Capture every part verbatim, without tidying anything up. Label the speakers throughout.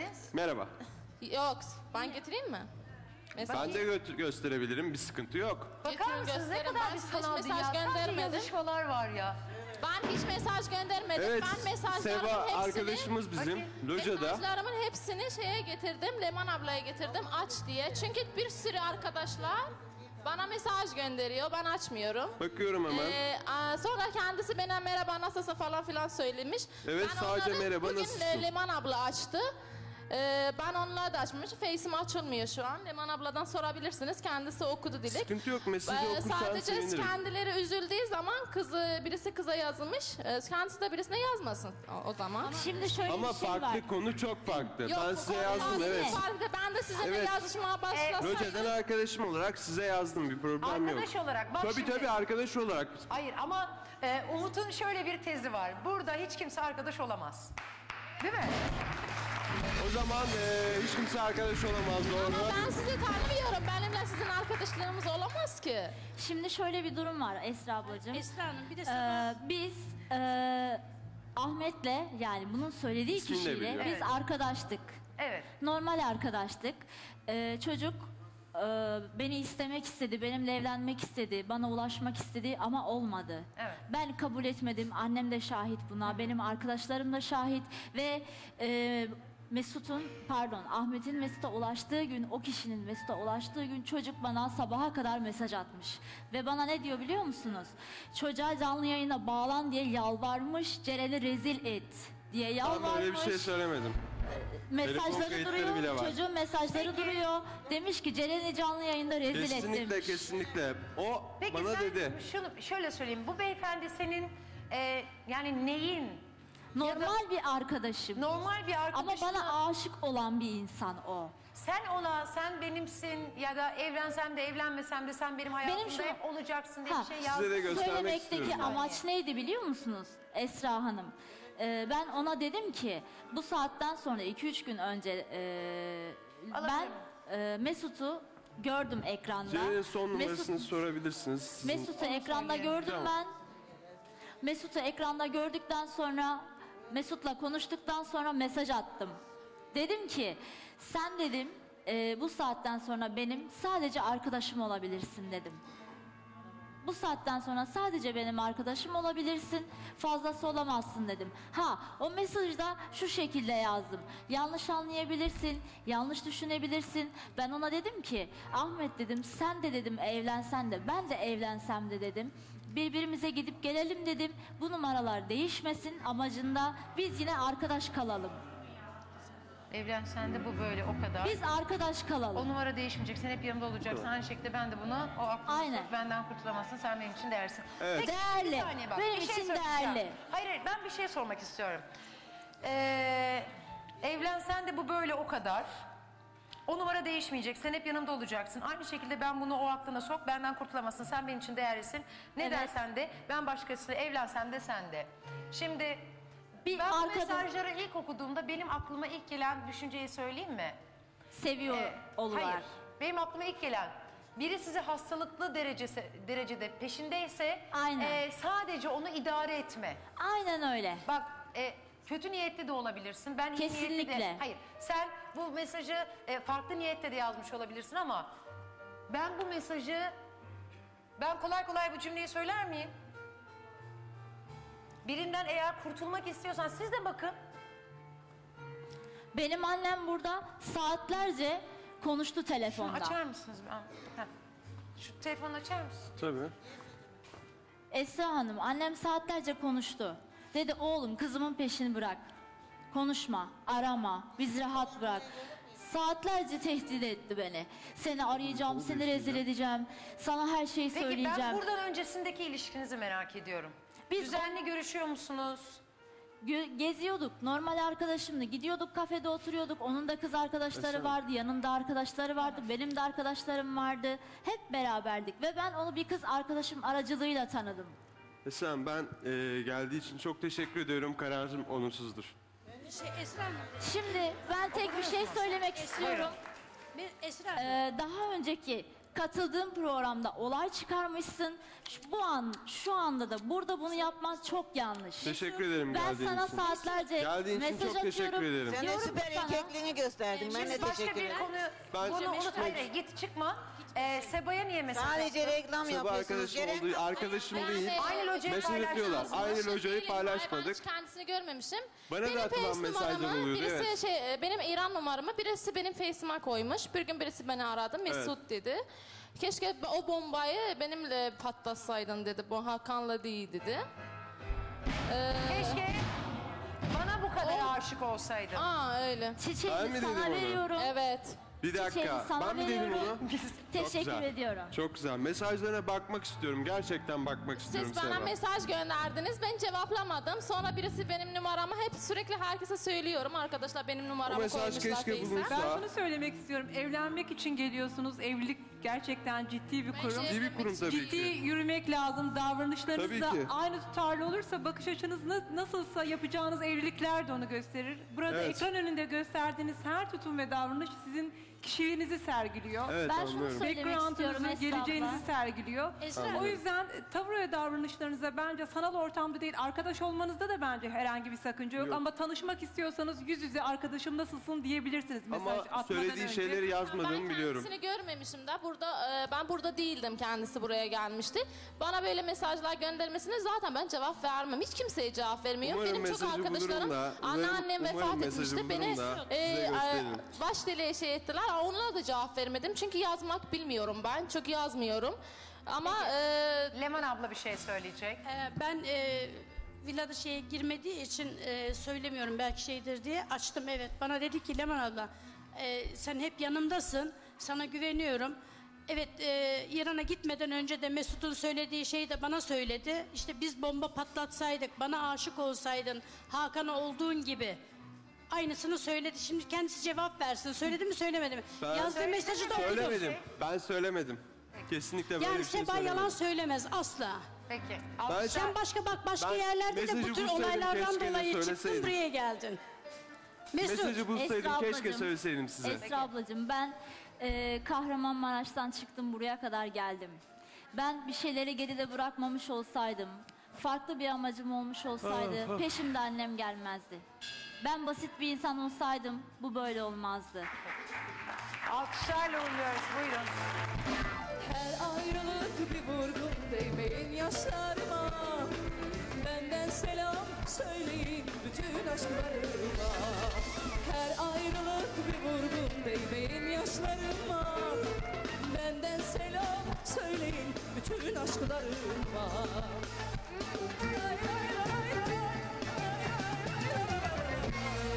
Speaker 1: geldiniz.
Speaker 2: Merhaba.
Speaker 3: Yok, ben getireyim mi? Mesaj
Speaker 2: Ben de gö gösterebilirim, bir sıkıntı yok.
Speaker 1: Bakar mısınız ne kadar
Speaker 3: Ben
Speaker 1: bir
Speaker 3: size hiç
Speaker 1: sanal
Speaker 3: mesaj
Speaker 1: dünya. Sadece
Speaker 3: göndermedim.
Speaker 1: yazışmalar var ya.
Speaker 3: Ben hiç mesaj göndermedim.
Speaker 2: Evet,
Speaker 3: Ben mesajlarımın
Speaker 2: Seva
Speaker 3: hepsini,
Speaker 2: arkadaşımız bizim,
Speaker 1: Bakayım.
Speaker 2: locada.
Speaker 3: mesajlarımın hepsini şeye getirdim, Leman ablaya getirdim aç diye. Çünkü bir sürü arkadaşlar bana mesaj gönderiyor, ben açmıyorum.
Speaker 2: Bakıyorum hemen.
Speaker 3: Ee, a- sonra kendisi bana merhaba nasılsın falan filan söylemiş.
Speaker 2: Evet,
Speaker 3: Ben
Speaker 2: sadece
Speaker 3: onları
Speaker 2: merhaba,
Speaker 3: bugün
Speaker 2: nasılsın?
Speaker 3: e, Leman abla açtı. Ee, ben onunla da açmış. Face'im açılmıyor şu an. Leman abladan sorabilirsiniz. Kendisi okudu Dilek.
Speaker 2: Sıkıntı yok, mesajı
Speaker 3: Ee,
Speaker 2: okursan
Speaker 3: Sadece
Speaker 2: sevinirim.
Speaker 3: kendileri üzüldüğü zaman kızı birisi kıza yazmış. Ee, kendisi de birisine yazmasın o, o zaman.
Speaker 4: Şimdi şöyle
Speaker 2: Ama
Speaker 4: bir şey
Speaker 2: farklı
Speaker 4: var.
Speaker 2: konu çok farklı.
Speaker 3: Yok,
Speaker 2: ben
Speaker 3: bu
Speaker 2: size
Speaker 3: konu
Speaker 2: yazdım,
Speaker 3: farklı,
Speaker 2: evet.
Speaker 3: farklı. Ben de sizinle
Speaker 2: Evet.
Speaker 3: yazışmaya başlasaydım.
Speaker 2: Loca'dan arkadaşım olarak size yazdım, bir problem yok.
Speaker 1: Arkadaş olarak bak
Speaker 2: Tabii
Speaker 1: şimdi.
Speaker 2: tabii, arkadaş olarak.
Speaker 1: Hayır ama e, Umut'un şöyle bir tezi var. Burada hiç kimse arkadaş olamaz. Değil mi?
Speaker 2: O zaman e, hiç kimse arkadaş olamaz, doğru.
Speaker 3: Ama ben sizi tanımıyorum. Benimle sizin arkadaşlarımız olamaz ki.
Speaker 4: Şimdi şöyle bir durum var Esra ablacığım.
Speaker 5: Esra Hanım bir de
Speaker 4: Ee,
Speaker 5: sana...
Speaker 4: biz e, Ahmet'le yani bunun söylediği
Speaker 2: İsmini de
Speaker 4: kişiyle
Speaker 2: biliyorum.
Speaker 4: biz
Speaker 1: Evet.
Speaker 4: arkadaştık.
Speaker 1: Evet.
Speaker 4: Normal arkadaştık. Ee, çocuk e, beni istemek istedi, benimle evlenmek istedi, bana ulaşmak istedi ama olmadı.
Speaker 1: Evet.
Speaker 4: Ben kabul etmedim, annem de şahit buna, benim arkadaşlarım da şahit ve e, Mesut'un, pardon Ahmet'in Mesut'a ulaştığı gün, o kişinin Mesut'a ulaştığı gün çocuk bana sabaha kadar mesaj atmış. Ve bana ne diyor biliyor musunuz? Çocuğa canlı yayına bağlan diye yalvarmış, Ceren'i rezil et diye
Speaker 2: Ben
Speaker 4: yalvarmış.
Speaker 2: öyle bir şey söylemedim. Telefon
Speaker 4: Mesajları
Speaker 2: kayıtları
Speaker 4: duruyor,
Speaker 2: bile var.
Speaker 4: çocuğun mesajları duruyor. Demiş ki Ceren'i canlı yayında rezil et
Speaker 2: Kesinlikle,
Speaker 4: demiş.
Speaker 2: kesinlikle. O
Speaker 1: Peki
Speaker 2: bana
Speaker 1: sen
Speaker 2: dedi.
Speaker 1: şunu şöyle söyleyeyim. Bu beyefendi senin e, yani neyin?
Speaker 4: Normal bir arkadaşım.
Speaker 1: Normal bir
Speaker 4: Ama
Speaker 1: arkadaşın.
Speaker 4: bana aşık olan bir insan o.
Speaker 1: Sen ona sen benimsin ya da evlensem de evlenmesem de sen benim hayatımda
Speaker 4: şunu-
Speaker 1: hep olacaksın diye
Speaker 4: Ha,
Speaker 1: bir şey
Speaker 2: Size
Speaker 1: yazdın.
Speaker 2: de göstermek
Speaker 4: Söylemekteki
Speaker 2: istiyorum.
Speaker 4: amaç neydi biliyor musunuz Esra Hanım? Ee, ben ona dedim ki bu saatten sonra iki üç gün önce e, ben
Speaker 1: Alabilirim.
Speaker 4: e, Mesut'u gördüm ekranda.
Speaker 2: Ceren'in son numarasını
Speaker 4: Mesut-
Speaker 2: sorabilirsiniz. Sizin-
Speaker 4: Mesut'u ekranda
Speaker 1: söyleyelim.
Speaker 4: gördüm
Speaker 2: Tamam.
Speaker 4: ben. Mesut'u ekranda gördükten sonra Mesut'la konuştuktan sonra mesaj attım. Dedim ki sen dedim e, bu saatten sonra benim sadece arkadaşım olabilirsin dedim. Bu saatten sonra sadece benim arkadaşım olabilirsin, fazlası olamazsın dedim. Ha, o mesajda şu şekilde yazdım. Yanlış anlayabilirsin, yanlış düşünebilirsin. Ben ona dedim ki, Ahmet dedim, sen de dedim evlensen de, ben de evlensem de dedim. Birbirimize gidip gelelim dedim. Bu numaralar değişmesin amacında biz yine arkadaş kalalım.
Speaker 1: Evlensen de bu böyle o kadar.
Speaker 4: Biz arkadaş
Speaker 1: O
Speaker 4: kalalım.
Speaker 1: numara değişmeyecek. Sen hep yanımda olacaksın. Aynı şekilde ben de bunu o aklımda
Speaker 4: Aynen.
Speaker 1: tut, benden kurtulamazsın. Sen benim için değersin.
Speaker 2: Evet.
Speaker 1: Peki,
Speaker 4: Değerli.
Speaker 1: bir saniye bak.
Speaker 4: Benim
Speaker 1: bir şey
Speaker 4: için
Speaker 1: söyleyeceğim.
Speaker 4: değerli.
Speaker 1: Hayır hayır ben bir şey sormak istiyorum. Ee, evlensen de bu böyle o kadar. O numara değişmeyecek. Sen hep yanımda olacaksın. Aynı şekilde ben bunu o aklına sok. Benden kurtulamazsın. Sen benim için değerlisin. Ne
Speaker 4: Evet.
Speaker 1: dersen de ben başkasıyla evlensem de sen de. Şimdi
Speaker 4: Bir
Speaker 1: ben bu
Speaker 4: arkada-
Speaker 1: mesajları ilk okuduğumda benim aklıma ilk gelen düşünceyi söyleyeyim mi?
Speaker 4: Seviyor
Speaker 1: Ee,
Speaker 4: olular.
Speaker 1: Hayır. Benim aklıma ilk gelen biri sizi hastalıklı derecesi, derecede peşindeyse
Speaker 4: Aynen.
Speaker 1: e, sadece onu idare etme.
Speaker 4: Aynen öyle.
Speaker 1: Bak e, kötü niyetli de olabilirsin. Ben iyi niyetli de.
Speaker 4: Kesinlikle.
Speaker 1: Hayır. Sen bu mesajı e, farklı niyette de yazmış olabilirsin ama ben bu mesajı ben kolay kolay bu cümleyi söyler miyim? Birinden eğer kurtulmak istiyorsan siz de bakın.
Speaker 4: Benim annem burada saatlerce konuştu telefonda.
Speaker 1: Açar mısınız? Ben, heh. Şu telefonu açar mısın?
Speaker 2: Tabii.
Speaker 4: Esra Hanım, annem saatlerce konuştu. Dedi oğlum kızımın peşini bırak. Konuşma, arama, biz rahat bırak. Saatlerce tehdit etti beni. Seni arayacağım, seni rezil edeceğim. Sana her şeyi
Speaker 1: Peki
Speaker 4: söyleyeceğim.
Speaker 1: ben buradan öncesindeki ilişkinizi merak ediyorum.
Speaker 4: Biz
Speaker 1: Düzenli görüşüyor musunuz?
Speaker 4: Gö- geziyorduk. Normal arkadaşımdı. Gidiyorduk kafede oturuyorduk. Onun da kız arkadaşları
Speaker 2: Mesela-
Speaker 4: vardı. Yanında arkadaşları vardı. Benim de arkadaşlarım vardı. Hep beraberdik. Ve ben onu bir kız arkadaşım aracılığıyla tanıdım.
Speaker 2: Esra, ben e, geldiği için çok teşekkür ediyorum. Kararım olumsuzdur.
Speaker 5: Şey, Esra Hanım,
Speaker 4: Şimdi ben tek bir şey söylemek istiyorum.
Speaker 5: bir Esra Hanım.
Speaker 4: Ee, daha önceki Katıldığın programda olay çıkarmışsın. Şu- Bu an, şu anda da burada bunu yapman çok yanlış.
Speaker 2: Teşekkür ederim
Speaker 4: Ben
Speaker 2: geldiğin
Speaker 4: sana
Speaker 2: için.
Speaker 4: saatlerce
Speaker 2: Geldiğin için
Speaker 4: mesaj
Speaker 2: çok teşekkür
Speaker 4: atıyorum.
Speaker 2: ederim.
Speaker 5: Sen de
Speaker 4: Diyorum
Speaker 5: süper
Speaker 4: ki sana-
Speaker 5: erkekliğini gösterdin. Ben de
Speaker 1: Şimdi başka
Speaker 5: teşekkür
Speaker 1: bir
Speaker 5: ederim.
Speaker 1: konu,
Speaker 2: Ben-
Speaker 1: bunu unut. Hayır, hayır, git çıkma. Ee, Seba'ya niye mesaj
Speaker 5: Sadece
Speaker 1: attın?
Speaker 5: reklam
Speaker 2: Sabah
Speaker 5: yapıyorsunuz.
Speaker 2: arkadaşım
Speaker 5: Gerek
Speaker 2: olduğu arkadaşım
Speaker 3: Ben
Speaker 2: değil.
Speaker 3: de-
Speaker 1: Aynı locayı
Speaker 2: Mesaj atıyorlar.
Speaker 1: paylaştınız.
Speaker 2: Aynı
Speaker 3: Boşuna
Speaker 2: locayı
Speaker 3: değilim. Ay,
Speaker 2: paylaşmadık.
Speaker 3: Ben hiç kendisini görmemişim.
Speaker 2: Bana da
Speaker 3: benim
Speaker 2: atılan
Speaker 3: face
Speaker 2: mesajlar
Speaker 3: numaramı
Speaker 2: oluyordu,
Speaker 3: birisi
Speaker 2: evet.
Speaker 3: şey, benim İran numaramı birisi benim face'ime koymuş. Bir gün birisi beni aradı. Mesut dedi. Keşke o bombayı benimle patlatsaydın dedi. Bu Hakan'la değil dedi. Ee,
Speaker 1: Keşke bana bu kadar aşık olsaydın.
Speaker 3: aa öyle.
Speaker 2: Ben
Speaker 4: Çiçeğini
Speaker 2: mi dedim
Speaker 4: sana
Speaker 2: onu?
Speaker 4: veriyorum.
Speaker 3: Evet.
Speaker 2: Bir
Speaker 4: Çiçeğini
Speaker 2: dakika.
Speaker 4: sana
Speaker 2: Ben mi dedim
Speaker 4: veriyorum.
Speaker 2: onu?
Speaker 4: Teşekkür
Speaker 2: güzel.
Speaker 4: ediyorum.
Speaker 2: Çok güzel. Mesajlarına bakmak istiyorum. Gerçekten bakmak istiyorum
Speaker 3: Siz bana
Speaker 2: Seva.
Speaker 3: mesaj gönderdiniz. Ben cevaplamadım. Sonra birisi benim numaramı hep sürekli herkese söylüyorum. Arkadaşlar benim
Speaker 2: O
Speaker 3: numaramı
Speaker 2: mesaj
Speaker 3: koymuşlar
Speaker 2: keşke
Speaker 3: face'e.
Speaker 2: bulunsa.
Speaker 6: Ben şunu söylemek istiyorum. Evlenmek için geliyorsunuz. Evlilik gerçekten ciddi bir kurum.
Speaker 3: şey-
Speaker 2: İyi bir kurum tabii
Speaker 6: Ciddi
Speaker 2: ki.
Speaker 6: yürümek lazım. Davranışlarınız
Speaker 2: Tabii
Speaker 6: da
Speaker 2: ki.
Speaker 6: aynı tutarlı olursa bakış açınız na- nasılsa yapacağınız evlilikler de onu gösterir. Burada
Speaker 2: Evet.
Speaker 6: ekran önünde gösterdiğiniz her tutum ve davranış sizin kişiliğinizi sergiliyor.
Speaker 2: Evet
Speaker 4: Ben şunu
Speaker 2: anlıyorum.
Speaker 4: söylemek istiyorum
Speaker 6: Background'ınızı,
Speaker 4: Esra
Speaker 6: geleceğinizi
Speaker 4: abla.
Speaker 6: sergiliyor.
Speaker 4: Esra
Speaker 6: O yüzden e, tavır ve davranışlarınıza bence sanal ortamda değil, arkadaş olmanızda da bence herhangi bir sakınca yok.
Speaker 2: Yok.
Speaker 6: Ama tanışmak istiyorsanız yüz yüze arkadaşım nasılsın diyebilirsiniz mesaj
Speaker 2: Ama
Speaker 6: atmadan
Speaker 2: söylediği
Speaker 6: önce.
Speaker 2: şeyleri
Speaker 3: Ben
Speaker 2: yazmadığımı biliyorum.
Speaker 3: kendisini görmemişim de burada e, ben burada değildim, kendisi buraya gelmişti. Bana böyle mesajlar göndermesine zaten ben cevap vermem. Hiç kimseye cevap vermiyorum.
Speaker 2: Umarım
Speaker 3: Benim çok
Speaker 2: mesajı
Speaker 3: arkadaşlarım,
Speaker 2: bulurum da,
Speaker 3: anneannem
Speaker 2: umarım
Speaker 3: vefat
Speaker 2: mesajı
Speaker 3: etmişti.
Speaker 2: bulurum
Speaker 3: Beni
Speaker 2: da size
Speaker 3: e, e,
Speaker 2: gösteririm.
Speaker 3: baş deliğe şey ettiler. Onlara da cevap vermedim. Çünkü yazmak bilmiyorum ben. Çok yazmıyorum. Ama e,
Speaker 1: Leman abla bir şey söyleyecek.
Speaker 7: Ee, Ben e, villada şeye girmediği için e, söylemiyorum belki şeydir diye açtım, evet. Bana dedi ki Leman abla e, sen hep yanımdasın, sana güveniyorum. Evet, e, İran'a gitmeden önce de Mesut'un söylediği şeyi de bana söyledi. İşte biz bomba patlatsaydık, bana aşık olsaydın, Hakan'a olduğun gibi. Aynısını söyledi. Şimdi kendisi cevap versin. Söyledi mi söylemedi mi?
Speaker 2: Ben-
Speaker 7: Yazdığı mesajı da okudum.
Speaker 2: Söylemedim. Ben söylemedim. Kesinlikle böyle
Speaker 7: Yani
Speaker 2: bir şey
Speaker 7: Seba
Speaker 2: söylemedim.
Speaker 7: yalan söylemez asla.
Speaker 1: Peki.
Speaker 2: Ben-
Speaker 1: Alkışlar.
Speaker 7: Sen başka bak başka
Speaker 2: Ben
Speaker 7: yerlerde de bu
Speaker 2: mesajı
Speaker 7: tür
Speaker 2: bulsaydım,
Speaker 7: olaylardan
Speaker 2: keşke de
Speaker 7: dolayı çıktın
Speaker 2: söyleseydim.
Speaker 7: buraya geldin. Mesut.
Speaker 2: Mesajı bulsaydım
Speaker 4: Esra
Speaker 2: keşke
Speaker 4: ablacığım.
Speaker 2: söyleseydim size.
Speaker 4: Esra ablacığım ben e, Kahramanmaraş'tan çıktım buraya kadar geldim. Ben bir şeyleri geride bırakmamış olsaydım, farklı bir amacım olmuş olsaydı
Speaker 2: Ah, ah.
Speaker 4: peşimde annem gelmezdi. Ben basit bir insan olsaydım bu böyle olmazdı.
Speaker 1: Alkışlarla uğurluyoruz. Buyurun.
Speaker 8: Her ayrılık bir vurgun değmeyin yaşlarıma. Benden selam söyleyin bütün aşklarıma. Her ayrılık bir vurgun değmeyin yaşlarıma. Benden selam söyleyin bütün aşklarıma. Lay lay lay lay, lay lay lay lay.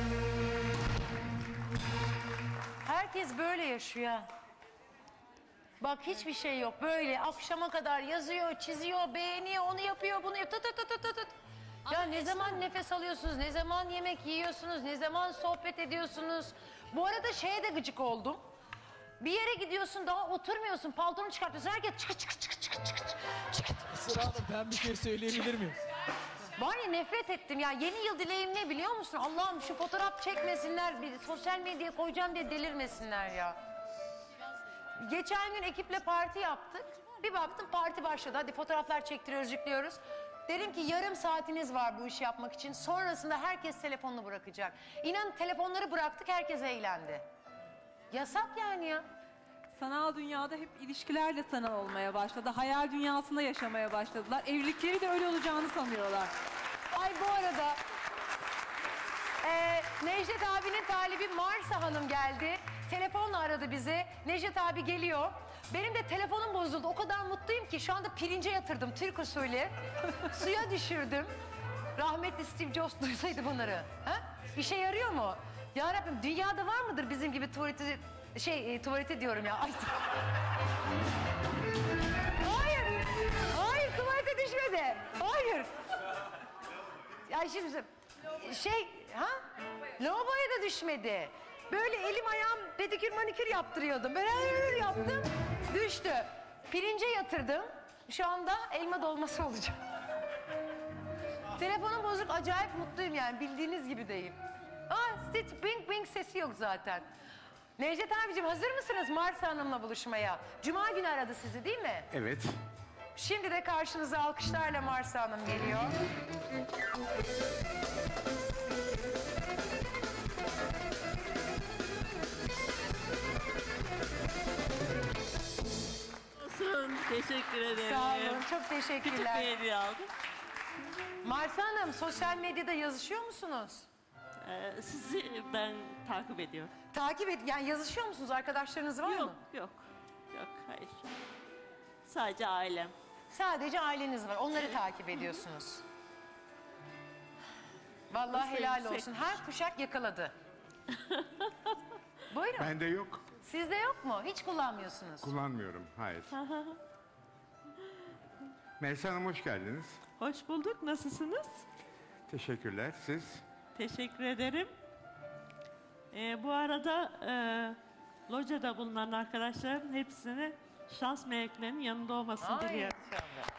Speaker 1: Herkes böyle yaşıyor. Bak hiçbir şey yok. Böyle akşama kadar yazıyor, çiziyor, beğeniyor, onu yapıyor, bunu yapıyor. Tut tut tut tut tut. Ya ne zaman nefes alıyorsunuz, ne zaman yemek yiyorsunuz, ne zaman sohbet ediyorsunuz. Bu arada şeye de gıcık oldum. Bir yere gidiyorsun daha oturmuyorsun, paltonu çıkartıyorsun. Herkes çıkı çıkı çıkı çıkı çıkı çıkı.
Speaker 9: Esra Hanım ben bir şey söyleyebilir miyim?
Speaker 1: Var ya nefret ettim ya. Yeni yıl dileğim ne biliyor musun? Allah'ım şu fotoğraf çekmesinler, bir sosyal medyaya koyacağım diye delirmesinler ya. Geçen gün ekiple parti yaptık. Bir baktım parti başladı. Hadi fotoğraflar çektiriyoruz, yüklüyoruz. Dedim ki yarım saatiniz var bu işi yapmak için. Sonrasında herkes telefonunu bırakacak. İnan telefonları bıraktık, herkes eğlendi. Yasak yani ya.
Speaker 6: Sanal dünyada hep ilişkilerle sanal olmaya başladı. Hayal dünyasında yaşamaya başladılar. Evlilikleri de öyle olacağını sanıyorlar.
Speaker 1: Ay bu arada e, Necdet abinin talibi Marsa Hanım geldi. Telefonla aradı bizi. Necdet abi geliyor. Benim de telefonum bozuldu. O kadar mutluyum ki şu anda pirince yatırdım Türk usulü. Suya düşürdüm. Rahmetli Steve Jobs duysaydı bunları. Ha? İşe yarıyor mu? Ya Rabbim dünyada var mıdır bizim gibi tuvaleti şey e, tuvaleti diyorum ya. Ay. Hayır. Hayır tuvalete düşmedi. Hayır. Ya şimdi şey ha? Lavaboya da düşmedi. Böyle elim ayağım pedikür manikür yaptırıyordum. Böyle öyle yaptım. Düştü. Pirince yatırdım. Şu anda elma dolması olacak. Telefonum bozuk. Acayip mutluyum yani. Bildiğiniz gibi deyim. Aa, hiç bing bing sesi yok zaten. Necdet abicim hazır mısınız Marsa Hanım'la buluşmaya? Cuma günü aradı sizi değil mi?
Speaker 5: Evet.
Speaker 1: Şimdi de karşınıza alkışlarla Marsa Hanım geliyor.
Speaker 10: Olsun. Teşekkür ederim.
Speaker 1: Sağ olun, çok
Speaker 10: Küçük
Speaker 1: teşekkürler.
Speaker 10: bir hediye aldım.
Speaker 1: Marsa Hanım, sosyal medyada yazışıyor musunuz?
Speaker 10: Ee, sizi ben takip ediyorum.
Speaker 1: Takip et, yani yazışıyor musunuz? Arkadaşlarınız var
Speaker 10: Yok,
Speaker 1: mı?
Speaker 10: yok. Yok, hayır. Sadece ailem.
Speaker 1: Sadece aileniz var, onları takip ediyorsunuz. Vallahi
Speaker 10: Nasıl
Speaker 1: helal
Speaker 10: yüksek?
Speaker 1: olsun. Her kuşak yakaladı. Buyurun.
Speaker 5: Bende yok.
Speaker 1: Sizde yok mu? Hiç kullanmıyorsunuz.
Speaker 5: Kullanmıyorum. Hayır. Melisa Hanım hoş geldiniz.
Speaker 10: Hoş bulduk. Nasılsınız?
Speaker 5: Teşekkürler. Siz?
Speaker 10: Teşekkür ederim. Ee, bu arada e, locada bulunan arkadaşlarım hepsine şans meleklerinin yanında olmasını
Speaker 1: Ay,
Speaker 10: diliyorum.
Speaker 1: inşallah.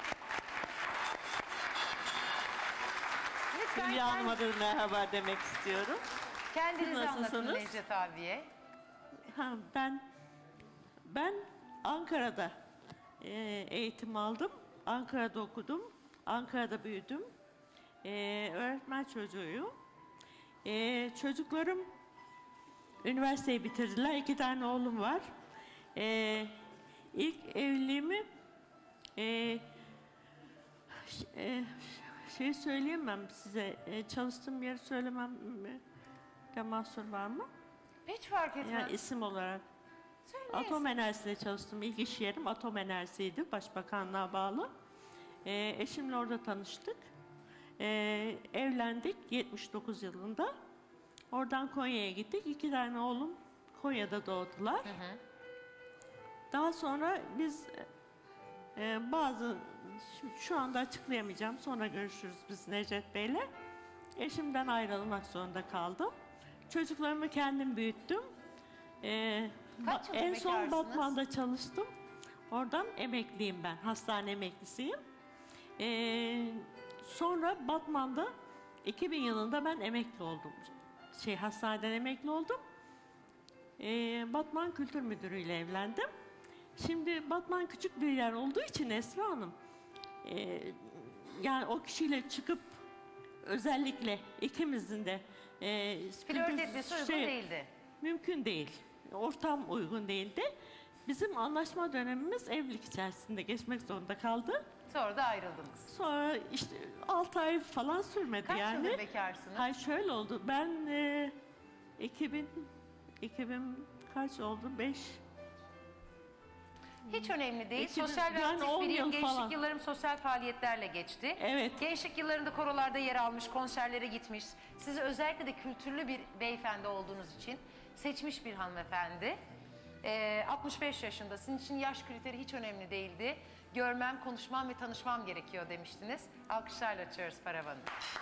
Speaker 1: Lütfen
Speaker 10: Hülya
Speaker 1: kend-
Speaker 10: Hanım'a da merhaba demek istiyorum.
Speaker 1: kendinizi anlatın
Speaker 10: Nasılsınız?
Speaker 1: Necdet abiye.
Speaker 10: Ha, ben ben Ankara'da e, eğitim aldım. Ankara'da okudum. Ankara'da büyüdüm. E, öğretmen çocuğuyum. E, çocuklarım üniversiteyi bitirdiler. İki tane oğlum var. E, ilk evliliğimi e, ş- e, şey söyleyemem size. E, çalıştığım yeri söylemem mi? De mahsur var mı?
Speaker 1: Hiç fark etmez.
Speaker 10: Yani isim olarak. Atom enerjisinde çalıştım. İlk iş yerim atom enerjisiydi. Başbakanlığa bağlı. Ee, eşimle orada tanıştık. Ee, evlendik yetmiş dokuz yılında. Oradan Konya'ya gittik. İki tane oğlum Konya'da doğdular. Daha sonra biz e, bazı şu, şu anda açıklayamayacağım. Sonra görüşürüz biz Necdet Bey'le. Eşimden ayrılmak zorunda kaldım. Çocuklarımı kendim büyüttüm. Ee,
Speaker 1: Kaç
Speaker 10: ba-
Speaker 1: yıldır
Speaker 10: en son
Speaker 1: bekarsınız?
Speaker 10: Batman'da çalıştım. Oradan emekliyim ben. Hastane emeklisiyim. Ee, sonra Batman'da iki bin yılında ben emekli oldum. Şey hastaneden emekli oldum. Ee, Batman Kültür Müdürü ile evlendim. Şimdi Batman küçük bir yer olduğu için Esra Hanım, e, yani o kişiyle çıkıp özellikle ikimizin de e,
Speaker 1: Flört
Speaker 10: kültür-
Speaker 1: etmesi uygun
Speaker 10: şey-
Speaker 1: değildi.
Speaker 10: Mümkün değil. Ortam uygun değildi. Bizim anlaşma dönemimiz evlilik içerisinde geçmek zorunda kaldı.
Speaker 1: Sonra da ayrıldınız.
Speaker 10: Sonra işte altı ay falan sürmedi
Speaker 1: Kaç
Speaker 10: yani.
Speaker 1: yıldır bekarsınız?
Speaker 10: Hayır şöyle oldu. Ben e, iki bin iki bin kaç oldu? beş
Speaker 1: Hiç önemli değil.
Speaker 10: İki bin-
Speaker 1: Sosyal ve
Speaker 10: yani
Speaker 1: aktif
Speaker 10: on
Speaker 1: bir yıl,
Speaker 10: yıl
Speaker 1: gençlik
Speaker 10: falan.
Speaker 1: yıllarım sosyal faaliyetlerle geçti.
Speaker 10: Evet.
Speaker 1: Gençlik yıllarında korolarda yer almış, konserlere gitmiş. Sizi özellikle de kültürlü bir beyefendi olduğunuz için seçmiş bir hanımefendi. Ee, altmış beş yaşında. Sizin için yaş kriteri hiç önemli değildi. Görmem, konuşmam ve tanışmam gerekiyor demiştiniz. Alkışlarla açıyoruz paravanı.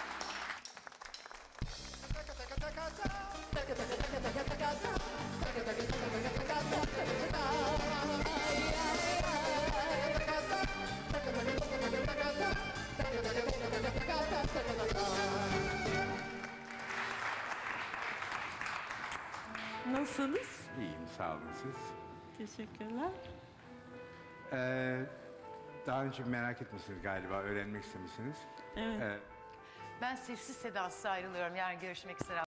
Speaker 10: Nasılsınız?
Speaker 5: İyiyim. Sağ olun siz.
Speaker 10: Teşekkürler.
Speaker 5: Ee, daha önce merak etmişsiniz galiba. Öğrenmek istemişsiniz.
Speaker 10: Evet.
Speaker 5: Ee,
Speaker 1: Ben sessiz sedasız ayrılıyorum. Yarın görüşmek üzere.